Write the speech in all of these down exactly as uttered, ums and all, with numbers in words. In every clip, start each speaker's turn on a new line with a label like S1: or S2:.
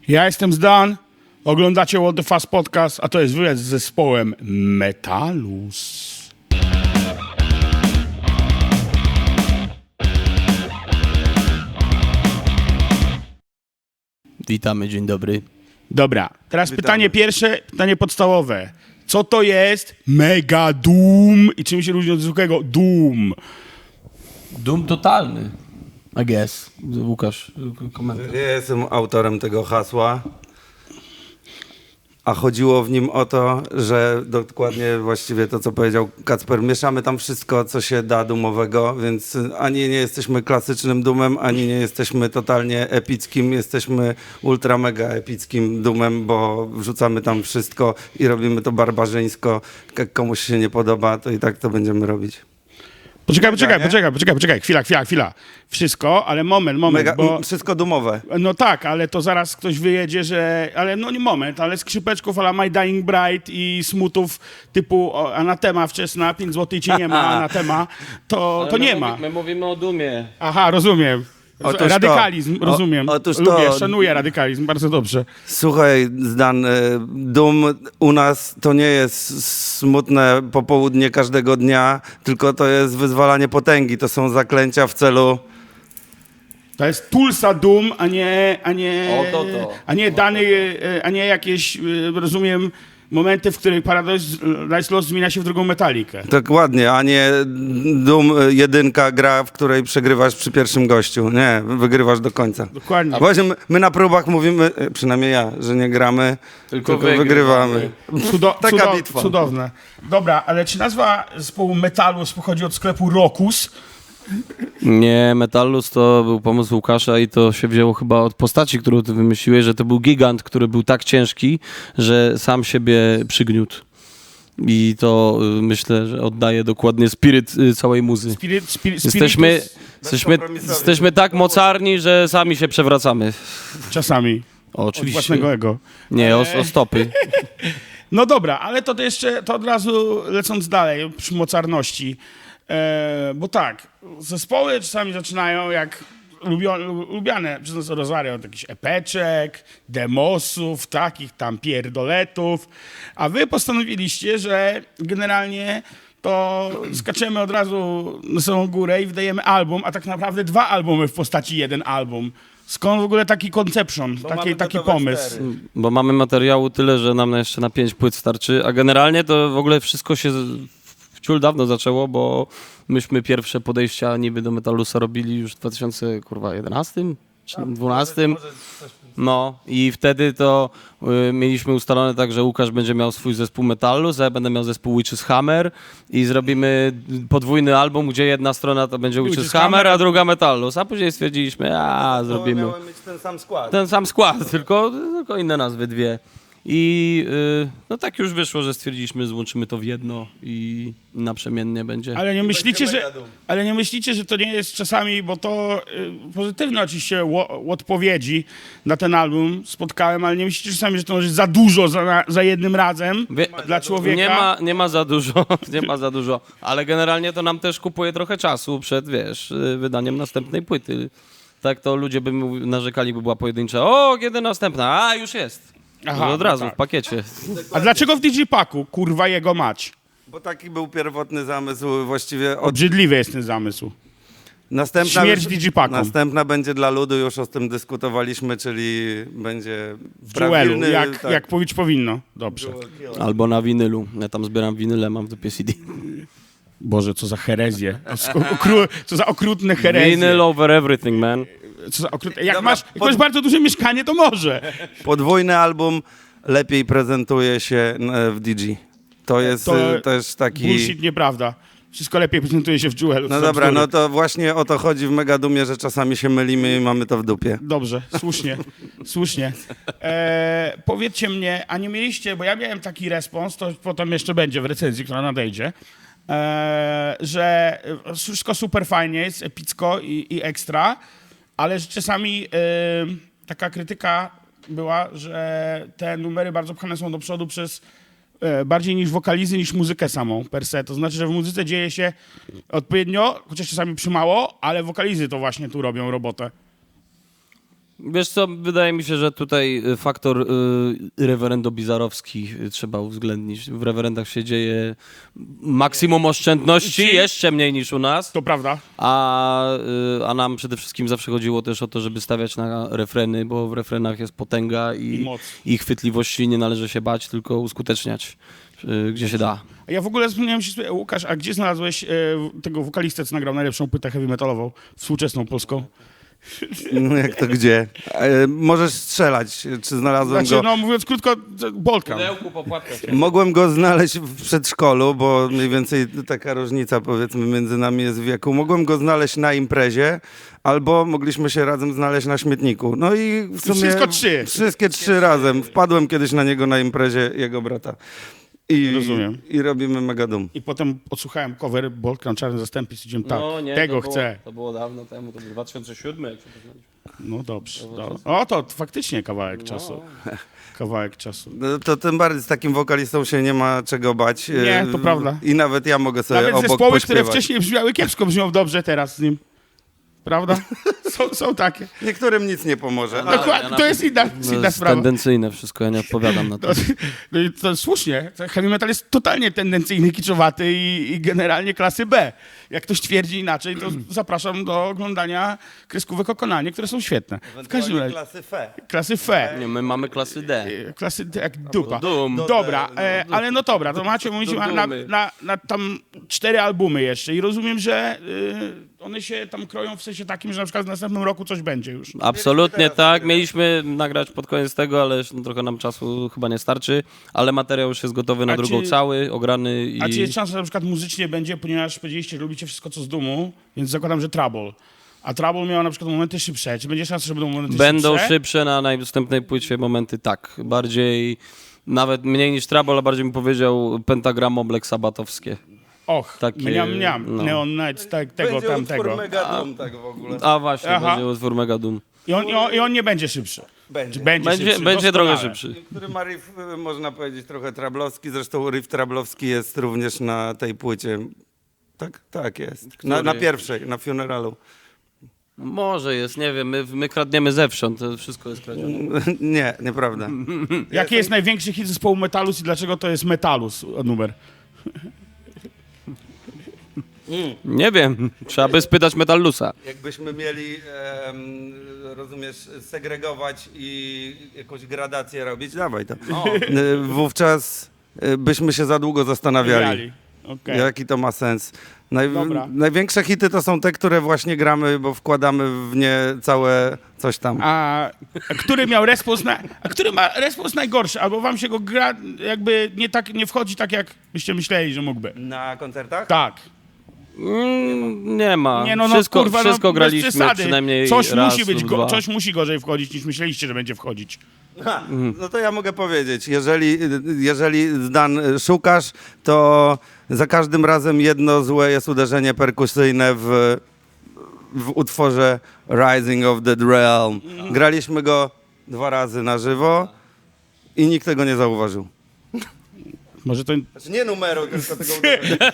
S1: Ja jestem Zdan, oglądacie What the Fast Podcast, a to jest wywiad z zespołem Metalus.
S2: Witamy, dzień dobry.
S1: Dobra, teraz
S3: Witamy.
S1: pytanie pierwsze, pytanie podstawowe. Co to jest Mega Doom i czym się różni od zwykłego Doom?
S2: Doom totalny, I guess. Łukasz, komentarz.
S3: Ja jestem autorem tego hasła, a chodziło w nim o to, że dokładnie właściwie to, co powiedział Kacper, mieszamy tam wszystko, co się da doomowego, więc ani nie jesteśmy klasycznym doomem, ani nie jesteśmy totalnie epickim, jesteśmy ultra mega epickim doomem, bo wrzucamy tam wszystko i robimy to barbarzyńsko. Jak komuś się nie podoba, to i tak to będziemy robić.
S1: Poczekaj, poczekaj,
S3: nie?
S1: poczekaj, poczekaj, poczekaj, chwila, chwila, chwila. Wszystko, ale moment, moment,
S3: Mega,
S1: bo...
S3: Wszystko doomowe.
S1: No tak, ale to zaraz ktoś wyjedzie, że... Ale no nie moment, ale skrzypeczków ala My Dying Bride i smutów typu o, Anatema wczesna, pięć złotych ci nie ma, Anatema, to, to nie ma.
S2: My mówimy o Doomie.
S1: Aha, rozumiem.
S3: Otóż to.
S1: Radykalizm,
S3: O-
S1: rozumiem.
S3: otóż to.
S1: Lubię, szanuję radykalizm, bardzo dobrze.
S3: Słuchaj, Zdan, y, Doom u nas to nie jest smutne popołudnie każdego dnia, tylko to jest wyzwalanie potęgi. To są zaklęcia w celu...
S1: To jest Tulsa Doom, a nie, a nie,
S2: O, to, to.
S1: a nie dany, e, a nie jakieś, e, rozumiem, momenty, w których Paradise Lost zmienia się w drugą metalikę.
S3: Dokładnie, a nie Doom y, jedynka gra, w której przegrywasz przy pierwszym gościu. Nie, wygrywasz do końca.
S1: Dokładnie.
S3: Właśnie my, my na próbach mówimy, y, przynajmniej ja, że nie gramy,
S2: Tylko
S3: tylko, wygrywamy.
S1: Cudo,
S3: Taka
S1: cudo,
S3: bitwa.
S1: Cudowne. Dobra, ale czy nazwa zespołu Metalus pochodzi od sklepu Rockus?
S2: Nie, Metallus to był pomysł Łukasza i to się wzięło chyba od postaci, którą ty wymyśliłeś, że to był gigant, który był tak ciężki, że sam siebie przygniótł. I to y, myślę, że oddaje dokładnie spiryt y, całej muzy.
S1: Spirit, spirit,
S2: Jesteśmy,
S1: spiritus
S2: jesteśmy,
S3: Bezkompromisowy.
S2: jesteśmy tak mocarni, że sami się przewracamy.
S1: czasami.
S2: O,
S1: Od
S2: oczywiście.
S1: własnego ego.
S2: Nie, o, o stopy.
S1: No dobra, ale to jeszcze, to od razu lecąc dalej, przy mocarności. E, bo tak, zespoły czasami zaczynają jak lubio, lubiane przez nas Rosario od jakichś epeczek, demosów, takich tam pierdoletów, a wy postanowiliście, że generalnie to skaczemy od razu na samą górę i wydajemy album, a tak naprawdę dwa albumy w postaci jeden album. Skąd w ogóle taki conception, taki,
S3: mamy
S1: taki
S3: gotowe
S1: pomysł?
S3: cztery.
S2: Bo mamy materiału tyle, że nam jeszcze na pięć płyt starczy, a generalnie to w ogóle wszystko się z- w ciul dawno zaczęło, bo myśmy pierwsze podejścia niby do Metalusa robili już w dwa tysiące jedenastym czy dwunastym. No i wtedy to y, mieliśmy ustalone tak, że Łukasz będzie miał swój zespół Metallus, a ja będę miał zespół Witch's Hammer i zrobimy podwójny album, gdzie jedna strona to będzie Witch's,
S1: Witch's
S2: Hammer,
S1: Hammer,
S2: a druga Metallus, a później stwierdziliśmy, a zrobimy
S3: Miałem mieć ten sam skład.
S2: ten sam skład, tylko, tylko inne nazwy dwie. I y, no tak już wyszło, że stwierdziliśmy, złączymy to w jedno i naprzemiennie będzie.
S1: Ale nie myślicie,
S3: będzie
S1: że,
S3: mega dum.
S1: ale nie myślicie, że to nie jest czasami, bo to y, pozytywne oczywiście ło- odpowiedzi na ten album spotkałem, ale nie myślicie czasami, że to może za dużo za, za jednym razem
S2: Wie,
S1: dla człowieka?
S2: nie, ma, nie ma za dużo, nie ma za dużo, ale generalnie to nam też kupuje trochę czasu przed, wiesz, y, wydaniem następnej płyty. Tak to ludzie by mówi- narzekali, by była pojedyncza, o, kiedy następna, a już jest.
S1: Aha,
S2: od razu,
S1: no tak.
S2: w pakiecie.
S1: A dlaczego w Digipaku? Kurwa jego mać.
S3: Bo taki był pierwotny zamysł właściwie od
S1: Obrzydliwy jest ten zamysł.
S3: Następna,
S1: Śmierć Digipaku.
S3: Następna będzie dla ludu, już o tym dyskutowaliśmy, czyli będzie
S1: W duelu,
S3: prawilny,
S1: jak,
S3: tak,
S1: jak powiedzieć powinno. Dobrze.
S2: Albo na winylu. Ja tam zbieram winyle, mam w dupie C D.
S1: Boże, co za herezję. Okru- co za okrutne herezje.
S2: Vinyl over everything, man.
S1: Co za okrutne. Jak
S3: Dobra,
S1: masz, jak
S3: pod-
S1: masz bardzo duże mieszkanie, to może.
S3: Podwójny album lepiej prezentuje się e, w D G. To jest
S1: To
S3: e, też taki...
S1: Bullshit, nieprawda. Wszystko lepiej prezentuje się w Jewelu.
S3: No
S1: są
S3: dobra,
S1: bzdury.
S3: no to właśnie o to chodzi w Megadumie, że czasami się mylimy i mamy to w dupie.
S1: Dobrze, słusznie, słusznie. E, powiedzcie mnie, a nie mieliście, bo ja miałem taki respons, to potem jeszcze będzie w recenzji, która nadejdzie, e, że wszystko super fajnie jest, epicko i, i ekstra, ale że czasami e, taka krytyka była, że te numery bardzo pchane są do przodu przez e, bardziej niż wokalizy, niż muzykę samą per se. To znaczy, że w muzyce dzieje się odpowiednio, chociaż czasami przymało, ale wokalizy to właśnie tu robią robotę.
S2: Wiesz co, wydaje mi się, że tutaj faktor y, rewerendo-bizarowski trzeba uwzględnić. W rewerendach się dzieje maksimum oszczędności, jeszcze mniej niż u nas,
S1: To prawda.
S2: a, y, a nam przede wszystkim zawsze chodziło też o to, żeby stawiać na refreny, bo w refrenach jest potęga i,
S1: I moc.
S2: i chwytliwości nie należy się bać, tylko uskuteczniać, y, gdzie się da.
S1: A ja w ogóle zapomniałem się sobie, Łukasz, a gdzie znalazłeś e, tego wokalistę, co nagrał najlepszą płytę heavy metalową, współczesną polską?
S3: No jak to gdzie? E, możesz strzelać, czy znalazłem
S1: Znaczy,
S3: go.
S1: no mówiąc krótko, Bolka.
S3: Mogłem go znaleźć w przedszkolu, bo mniej więcej taka różnica powiedzmy między nami jest w wieku. Mogłem go znaleźć na imprezie, albo mogliśmy się razem znaleźć na śmietniku. No i w sumie
S1: wszystko trzy.
S3: Wszystkie trzy razem. Wpadłem kiedyś na niego na imprezie jego brata. I,
S1: Rozumiem.
S3: I robimy mega dum.
S1: I potem odsłuchałem cover Bolka na czarnym zastępie i stwierdziłem, tak,
S2: No, nie,
S1: tego
S2: to było,
S1: chcę.
S2: To było dawno temu, to był dwa tysiące siódmy, jak się poznaliśmy.
S1: No dobrze. Do... O, to faktycznie kawałek czasu. Kawałek czasu.
S3: No, to tym bardziej z takim wokalistą się nie ma czego bać.
S1: Nie, to
S3: E,
S1: prawda.
S3: I nawet ja mogę sobie
S1: Nawet
S3: obok
S1: zespoły,
S3: pośpiewać.
S1: które wcześniej brzmiały kiepsko, brzmią dobrze teraz z nim. Prawda? Są, są takie.
S3: Niektórym nic nie pomoże.
S2: Ale
S1: Dokładnie,
S2: ja
S1: to
S2: na-
S1: jest inna,
S2: To
S1: inna
S2: jest
S1: sprawa.
S2: tendencyjne wszystko, ja nie odpowiadam na to.
S1: To, no i to słusznie. Heavy metal jest totalnie tendencyjny, kiczowaty i, i generalnie klasy B. Jak ktoś twierdzi inaczej, to zapraszam do oglądania kreskówek o Konanie, które są świetne. W każdym razie,
S3: klasy F.
S1: klasy F.
S2: Nie, my mamy klasy D.
S1: E, Klasy D jak dupa.
S2: Dum.
S1: Dobra,
S3: Do-
S1: e, ale no dobra, to macie mówić
S2: Do
S1: na, na,
S2: dumy.
S1: na, na tam cztery albumy jeszcze i rozumiem, że y, one się tam kroją w sensie takim, że na przykład w następnym roku coś będzie już.
S2: Absolutnie tak. Mieliśmy nagrać pod koniec tego, ale no, trochę nam czasu chyba nie starczy. Ale materiał już jest gotowy na
S1: A
S2: drugą
S1: czy-
S2: cały, ograny i...
S1: A czy jest szansa, że na przykład muzycznie będzie, ponieważ powiedzieliście, że lubicie wszystko co z Dumu, więc zakładam, że Trouble. A Trouble miał na przykład momenty szybsze. Czy będzie szansa, że będą momenty
S2: Będą
S1: szybsze?
S2: szybsze na najnastępnej płycie momenty, tak. Bardziej, nawet mniej niż Trouble, ale bardziej bym powiedział pentagramo Black Sabbathowskie.
S1: Och,
S2: Takie,
S1: mniam, mniam.
S2: no.
S1: Neon Nights, tak, tego,
S3: Będzie
S1: tamtego.
S3: utwór mega dum tak w ogóle.
S2: A właśnie,
S1: Aha.
S2: będzie utwór Mega Doom.
S1: I on, i, on, I on nie będzie szybszy.
S3: Będzie.
S1: Czy będzie
S2: Będzie,
S1: szybszy?
S2: będzie trochę
S1: Doskonale.
S2: szybszy.
S3: Który ma riff, y, można powiedzieć, trochę trablowski. Zresztą riff trablowski jest również na tej płycie. Tak, tak jest. Na, na pierwszej, na Funeralu.
S2: Może jest, nie wiem, my, my kradniemy zewsząd, to wszystko jest kradzione.
S3: Nie, nieprawda.
S1: Jaki jest największy hit zespołu Metalus i dlaczego to jest Metalus numer?
S2: Nie wiem, trzeba by spytać Metallusa.
S3: Jakbyśmy mieli, em, rozumiesz, segregować i jakąś gradację robić, dawaj to. Y, Wówczas y, byśmy się za długo zastanawiali.
S1: Miali. Okej.
S3: Jaki to ma sens? Naj,
S1: Dobra.
S3: największe hity to są te, które właśnie gramy, bo wkładamy w nie całe coś tam.
S1: A, a który miał respons na, a który ma respons najgorszy? Albo wam się go gra jakby nie tak nie wchodzi tak, jak byście myśleli, że mógłby.
S3: Na koncertach?
S1: Tak.
S2: Mm, nie ma.
S1: Nie no, no
S2: wszystko
S1: kurwa,
S2: wszystko
S1: no, bez
S2: graliśmy
S1: przesady.
S2: przynajmniej
S1: coś
S2: raz
S1: musi być
S2: lub
S1: go,
S2: dwa.
S1: coś musi gorzej wchodzić niż myśleliście, że będzie wchodzić.
S3: Ha, no to ja mogę powiedzieć, jeżeli, jeżeli Dan szukasz, to za każdym razem jedno złe jest uderzenie perkusyjne w, w utworze Rising of the Realm. Graliśmy go dwa razy na żywo i nikt tego nie zauważył.
S1: Może to
S3: Znaczy nie numeru, tylko tego uderzenia.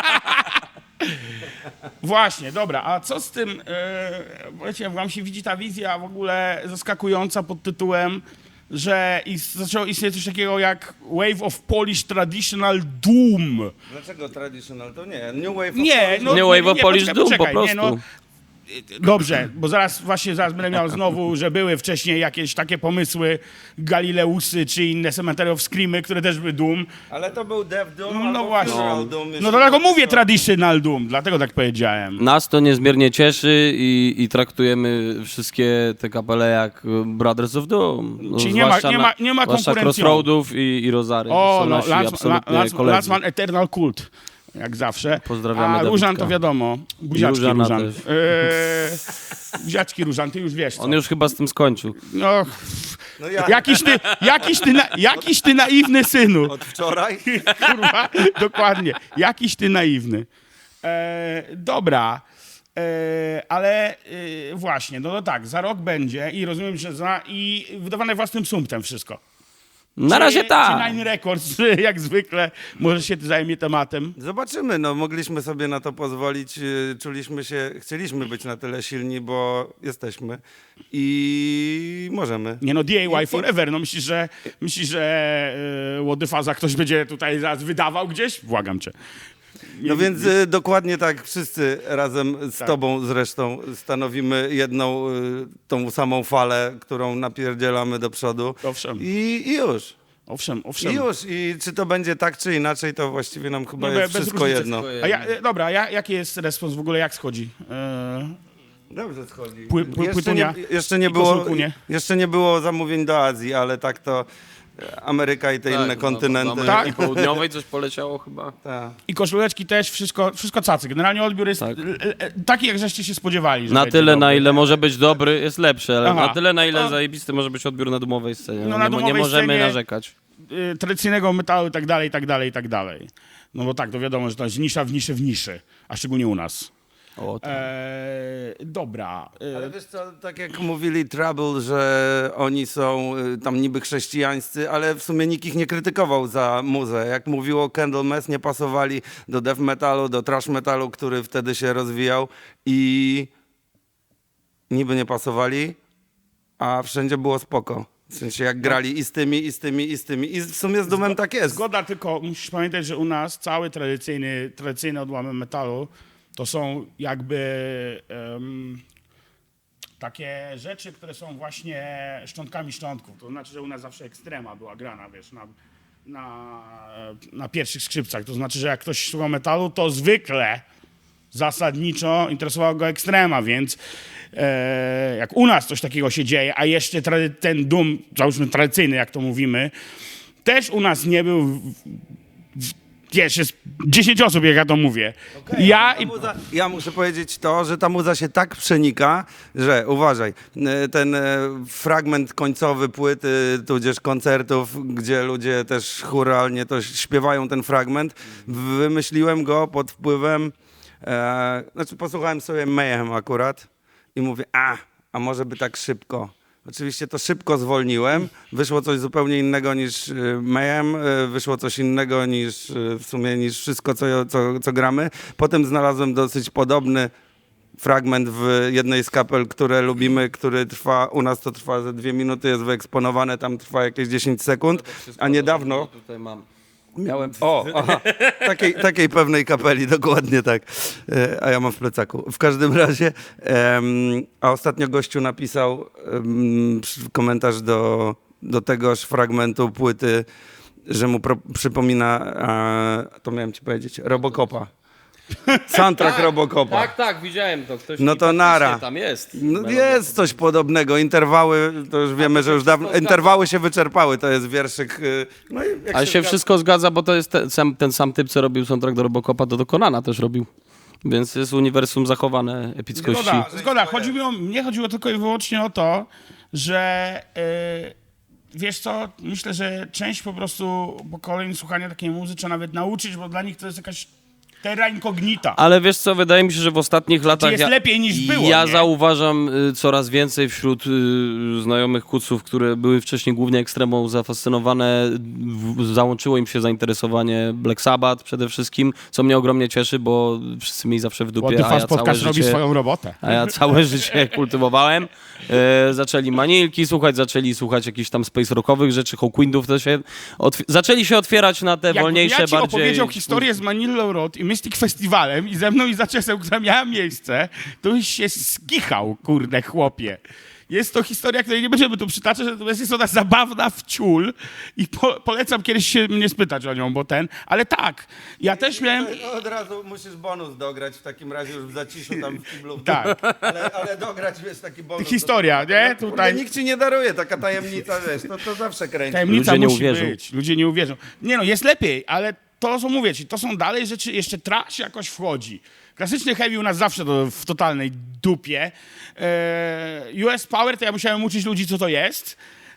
S1: właśnie, dobra, a co z tym, yy, wiecie, wam się widzi ta wizja w ogóle zaskakująca pod tytułem, że is, zaczęło istnieć coś takiego jak Wave of Polish Traditional Doom.
S3: Dlaczego traditional? To nie. New Wave of
S1: Nie, no,
S2: Nie Wave of Polish
S1: poczekaj,
S2: Doom, po
S1: poczekaj, nie,
S2: prostu.
S1: no, dobrze, bo zaraz właśnie zaraz będę miał znowu, że były wcześniej jakieś takie pomysły Galileusy czy inne Cemetery of Screamy, które też były Doom.
S3: Ale to był Death Doom
S1: No
S3: albo
S1: właśnie.
S3: Funeral Doom.
S1: No
S3: jeśli
S1: dlatego
S3: chodzi
S1: mówię
S3: o-
S1: Traditional Doom, dlatego tak powiedziałem.
S2: Nas to niezmiernie cieszy i, i traktujemy wszystkie te kapele jak Brothers of Doom. No,
S1: Czyli nie ma-
S2: zwłaszcza
S1: nie
S2: na-
S1: ma- nie ma
S2: zwłaszcza
S1: konkurencją.
S2: Crossroadów i, i Rozary. To
S1: O,
S2: są
S1: no,
S2: nasi
S1: Last, La,
S2: absolutnie
S1: Last,
S2: koledzy.
S1: Last Man Eternal Cult, jak zawsze.
S2: Pozdrawiamy
S1: A Różan
S2: Dawidka.
S1: to wiadomo, buziaczki
S2: Różana
S1: Różan.
S2: też.
S1: Eee, buziaczki Różan, ty już wiesz co.
S2: On już chyba z tym skończył.
S1: No,
S3: No ja
S1: jakiś ty, jakiś ty, na, jakiś ty naiwny synu.
S3: od wczoraj.
S1: Kurwa, dokładnie. Jakiś ty naiwny. E, dobra, e, ale e, właśnie, no, no tak, za rok będzie i rozumiem, że za, i wydawane własnym sumptem wszystko.
S2: Na
S1: czy,
S2: razie
S1: Czy
S2: tak.
S1: Nine Records, jak zwykle, może się zajmie tematem?
S3: Zobaczymy, no mogliśmy sobie na to pozwolić, y, czuliśmy się, chcieliśmy być na tyle silni, bo jesteśmy i możemy.
S1: Nie no, D I
S3: I-
S1: Y forever. No myślisz, że myślisz, że yy, Łodyfaza ktoś będzie tutaj zaraz wydawał gdzieś? Błagam cię. Nie-
S3: No więc y, dokładnie tak, wszyscy razem z
S1: Tak.
S3: tobą zresztą stanowimy jedną, y, tą samą falę, którą napierdzielamy do przodu
S1: Owszem.
S3: i, i już.
S1: Owszem, owszem.
S3: I już. I czy to będzie tak, czy inaczej, to właściwie nam chyba
S1: No, be-
S3: jest
S1: bez
S3: wszystko
S1: różnicy.
S3: jedno.
S2: Wszystko
S1: A ja, e, dobra, ja, jaki jest respons w ogóle, jak schodzi? Yy,
S3: Dobrze schodzi.
S1: Pły- pły-
S3: jeszcze,
S1: płytunia
S3: nie, jeszcze, nie
S1: i
S3: było,
S1: koszulkunie.
S3: jeszcze nie było zamówień do Azji, ale tak to e, Ameryka i te
S2: Tak,
S3: inne
S2: no,
S3: kontynenty.
S2: Do Ameryki Południowej coś poleciało chyba.
S3: Tak.
S1: I koszuleczki też, wszystko, wszystko cacy. Generalnie odbiór jest
S2: Tak.
S1: l- l- taki, jak żeście się spodziewali. Że
S2: Na
S1: będzie
S2: tyle,
S1: dobry.
S2: na ile może być dobry, jest lepszy, ale
S1: Aha.
S2: na tyle, na ile
S1: No.
S2: zajebisty może być odbiór na domowej scenie.
S1: No,
S2: No,
S1: na
S2: nie,
S1: domowej
S2: nie możemy
S1: scenie-
S2: narzekać.
S1: Y, tradycyjnego metalu i tak dalej, i tak dalej, i tak dalej. No bo tak, to wiadomo, że to jest nisza w niszy w niszy, a szczególnie u nas.
S2: O, tak.
S1: Eee, dobra. e,
S3: Ale wiesz co, tak jak mówili Trouble, że oni są y, tam niby chrześcijańscy, ale w sumie nikt ich nie krytykował za muzę. Jak mówiło Candlemass, nie pasowali do death metalu, do thrash metalu, który wtedy się rozwijał i niby nie pasowali, a wszędzie było spoko. W sensie jak grali i z tymi, i z tymi, i z tymi. I w sumie z Dumem tak jest.
S1: Zgoda, tylko musisz pamiętać, że u nas cały tradycyjny, tradycyjny odłamek metalu to są jakby em, takie rzeczy, które są właśnie szczątkami szczątków. To znaczy, że u nas zawsze ekstrema była grana, wiesz, na, na, na pierwszych skrzypcach. To znaczy, że jak ktoś słuchał metalu, to zwykle zasadniczo interesowało go ekstrema, więc e, jak u nas coś takiego się dzieje, a jeszcze trady, ten dum, załóżmy tradycyjny, jak to mówimy, też u nas nie był, w, w, wiesz, jest dziesięć osób, jak ja to mówię. Ja
S3: Ta
S1: i...
S3: muza, ja muszę powiedzieć to, że ta muza się tak przenika, że uważaj, e, ten e, fragment końcowy płyty, tudzież koncertów, gdzie ludzie też chóralnie to śpiewają ten fragment, wymyśliłem go pod wpływem, e, znaczy posłuchałem sobie Mayhem akurat i mówię, a, a może by tak szybko. Oczywiście to szybko zwolniłem, wyszło coś zupełnie innego niż y, Mayhem, y, wyszło coś innego niż y, w sumie niż wszystko, co, co, co gramy. Potem znalazłem dosyć podobny fragment w jednej z kapel, które lubimy, który trwa, u nas to trwa ze dwie minuty, jest wyeksponowane, tam trwa jakieś dziesięć sekund, a niedawno
S2: Tutaj mam.
S3: miałem, o, aha, takiej, takiej pewnej kapeli, dokładnie tak, e, a ja mam w plecaku. W każdym razie, em, a ostatnio gościu napisał em, przy- komentarz do, do tegoż fragmentu płyty, że mu pro, przypomina, a, to miałem ci powiedzieć, Robocopa. Soundtrack Robocopa.
S2: Tak, tak, widziałem to. Ktoś
S3: No
S2: mi
S3: to
S2: faktycznie
S3: nara.
S2: Tam jest.
S3: No
S2: Melodia.
S3: jest coś podobnego. Interwały, to już wiemy, że już dawno.
S2: wszystko
S3: Interwały się wyczerpały, to jest wierszyk. y, No i jak
S2: Ale się
S3: zgadza-
S2: wszystko zgadza, bo to jest ten sam, ten sam typ, co robił soundtrack do Robocopa, to do Conana też robił. Więc jest uniwersum zachowane epickości.
S1: Zgoda, zgoda. Chodzi mi o, mnie chodziło tylko i wyłącznie o to, że yy, wiesz co, myślę, że część po prostu pokoleń słuchania takiej muzyki trzeba nawet nauczyć, bo dla nich to jest jakaś terra incognita.
S2: Ale wiesz co, wydaje mi się, że w ostatnich latach...
S1: jest lepiej niż było,
S2: Ja
S1: nie?
S2: zauważam y, coraz więcej wśród y, znajomych kuców, które były wcześniej głównie ekstremą zafascynowane, w, załączyło im się zainteresowanie Black Sabbath przede wszystkim, co mnie ogromnie cieszy, bo wszyscy mieli zawsze w dupie, a ja całe
S1: podcast robi
S2: życie...
S1: swoją robotę.
S2: A ja całe życie kultywowałem. E, zaczęli manilki słuchać, zaczęli słuchać jakichś tam space rockowych rzeczy, Hawkwindów to się... Otw- zaczęli się otwierać na te
S1: Jakbym
S2: wolniejsze,
S1: ja ci
S2: bardziej...
S1: opowiedział historię z Manilla Road i Mystic Festiwalem i ze mną i Zaczesem, która miała miejsce, to byś się skichał, kurde chłopie. Jest to historia, której nie będziemy tu przytaczać, natomiast jest ona zabawna w ciul i po, polecam kiedyś się mnie spytać o nią, bo ten, ale tak, ja też miałem...
S3: No, od razu musisz bonus dograć w takim razie już w zaciszu tam w kiblu.
S1: Tak.
S3: Ale, ale dograć, wiesz, taki bonus.
S1: Historia, nie?
S3: Tutaj...
S1: Tutaj
S3: Nikt ci nie daruje, taka tajemnica, wiesz, to, to zawsze kręci.
S1: tajemnica
S2: Ludzie nie
S1: musi
S2: uwierzą.
S1: być. Ludzie nie uwierzą. Nie no, jest lepiej, ale to, co mówię ci, to są dalej rzeczy, jeszcze trash jakoś wchodzi. Klasyczny heavy u nas zawsze to w totalnej dupie. Eee, U S Power to ja musiałem uczyć ludzi, co to jest.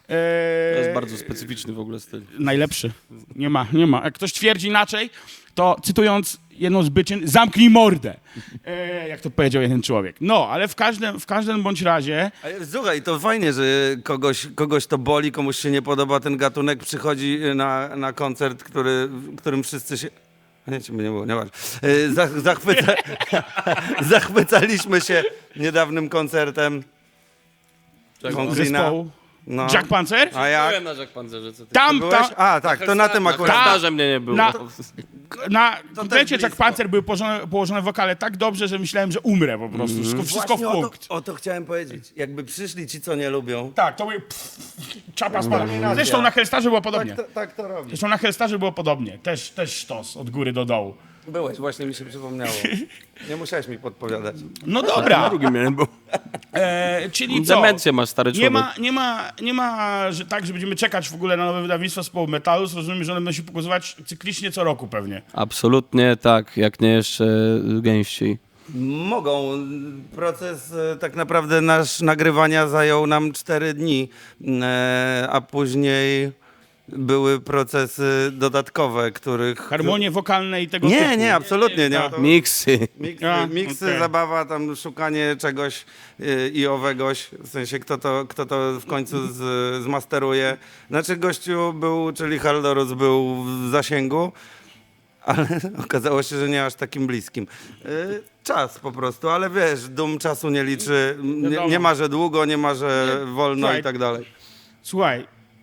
S1: E,
S2: To jest bardzo specyficzny w ogóle styl.
S1: Najlepszy. Nie ma, nie ma. Jak ktoś twierdzi inaczej, to cytując jedną z byczyn, zamknij mordę. E, jak to powiedział jeden człowiek. No, ale w każdym, w każdym bądź razie...
S3: Ale słuchaj, to fajnie, że kogoś, kogoś to boli, komuś się nie podoba ten gatunek, przychodzi na, na koncert, który, w którym wszyscy się... Nie, ciebie nie było, nie ważne. Y, Zach, zachwyca... Zachwycaliśmy się niedawnym koncertem Concrete'a.
S1: Zespołu.
S3: No.
S1: Jack Panzer?
S3: A jak?
S2: Byłem na Jack Panzerze, co ty?
S1: Tam,
S3: Byłeś?
S1: tam,
S3: A, tak, to na tym
S2: Na
S3: akurat.
S2: komentarze mnie nie było.
S1: Na- na komplecie
S3: też
S1: Jack
S3: blisko.
S1: Panzer były położone, położone wokale tak dobrze, że myślałem, że umrę po prostu. Wszystko, wszystko w
S3: Właśnie o
S1: punkt.
S3: to, o to chciałem powiedzieć. Jakby przyszli ci, co nie lubią.
S1: Tak, to były pff, czapa spada. Zresztą na Hellstarze było podobnie.
S3: Tak to, tak to robi.
S1: Zresztą na Hellstarze było podobnie. Też, też sztos od góry do dołu.
S3: Byłeś, właśnie mi się przypomniało. Nie musiałeś mi podpowiadać.
S1: No
S2: Na
S1: dobra,
S2: drugim miałem, bo...
S1: e, czyli co?
S2: Demencję masz, stary
S1: Nie
S2: człowiek.
S1: ma, nie ma, nie ma, że tak, że będziemy czekać w ogóle na nowe wydawnictwo zespołu Metalu. Rozumiem, że one będą się pokazywać cyklicznie co roku pewnie.
S2: Absolutnie tak, jak nie jeszcze gęściej.
S3: Mogą. Proces e, tak naprawdę nasz nagrywania zajął nam cztery dni, e, a później były procesy dodatkowe, których...
S1: Harmonie wokalne i tego typu.
S3: Nie, nie, absolutnie nie. To-
S2: Miksy.
S3: Miksy,
S1: A,
S3: miksy
S1: okej.
S3: zabawa, tam szukanie czegoś y, i owegoś, w sensie kto to, kto to w końcu z, zmasteruje. Znaczy gościu był, czyli Haldorus był w zasięgu, ale okazało się, że nie aż takim bliskim. Y, czas po prostu, ale wiesz, dum czasu nie liczy, nie,
S1: Wiadomo.
S3: nie ma, że długo, nie ma, że wolno
S1: Słuchaj,
S3: i tak dalej.
S1: Słuchaj,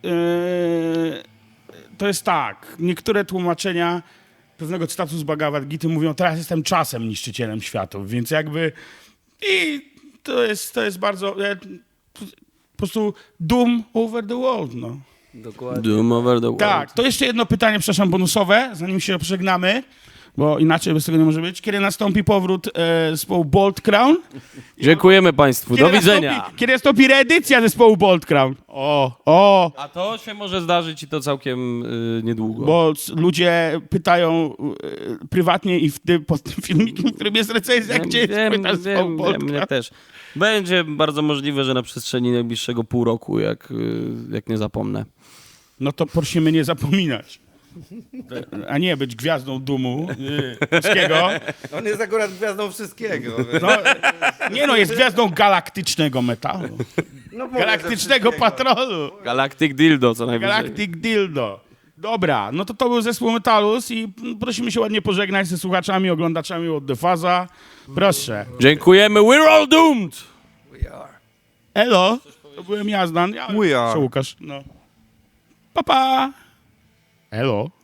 S1: yy, to jest tak. Niektóre tłumaczenia pewnego cytatu z Bhagavad Gity mówią, teraz jestem czasem niszczycielem światów, więc jakby i to jest, to jest bardzo e, po prostu doom over the world, no.
S3: Dokładnie.
S2: Doom over the world.
S1: Tak, to jeszcze jedno pytanie, przepraszam, bonusowe, zanim się pożegnamy, bo inaczej bez tego nie może być. Kiedy nastąpi powrót e, zespołu Bolt Crown?
S2: Dziękujemy Państwu.
S1: Kiedy
S2: Do widzenia.
S1: Nastąpi, kiedy nastąpi reedycja zespołu Bolt Crown? O, o,
S2: A to się może zdarzyć i to całkiem y, niedługo.
S1: bo c- ludzie pytają e, prywatnie i w tym, pod tym filmikiem, w którym jest recenzja, gdzie jest
S2: wiem,
S1: płyta zespołu
S2: wiem,
S1: Bolt
S2: wiem, mnie
S1: Crown.
S2: też. Będzie bardzo możliwe, że na przestrzeni najbliższego pół roku, jak, y, jak nie zapomnę.
S1: No to prosimy nie zapominać. A nie być gwiazdą dumu yy, polskiego.
S3: On jest akurat gwiazdą wszystkiego.
S1: No, nie no, jest gwiazdą galaktycznego metalu.
S3: No, mówię, że
S1: Galaktycznego
S3: wszystkiego.
S1: patrolu.
S2: Galactic Dildo co najwyżej.
S1: Galactic Dildo. Dobra, no to to był zespół Metalus i prosimy się ładnie pożegnać ze słuchaczami, oglądaczami od The Faza. Proszę.
S2: Dziękujemy. We're all doomed!
S3: We are.
S1: Elo. To byłem ja, Zdan. Ja,
S3: We are.
S1: Co, Łukasz? No. Pa, pa. Elo.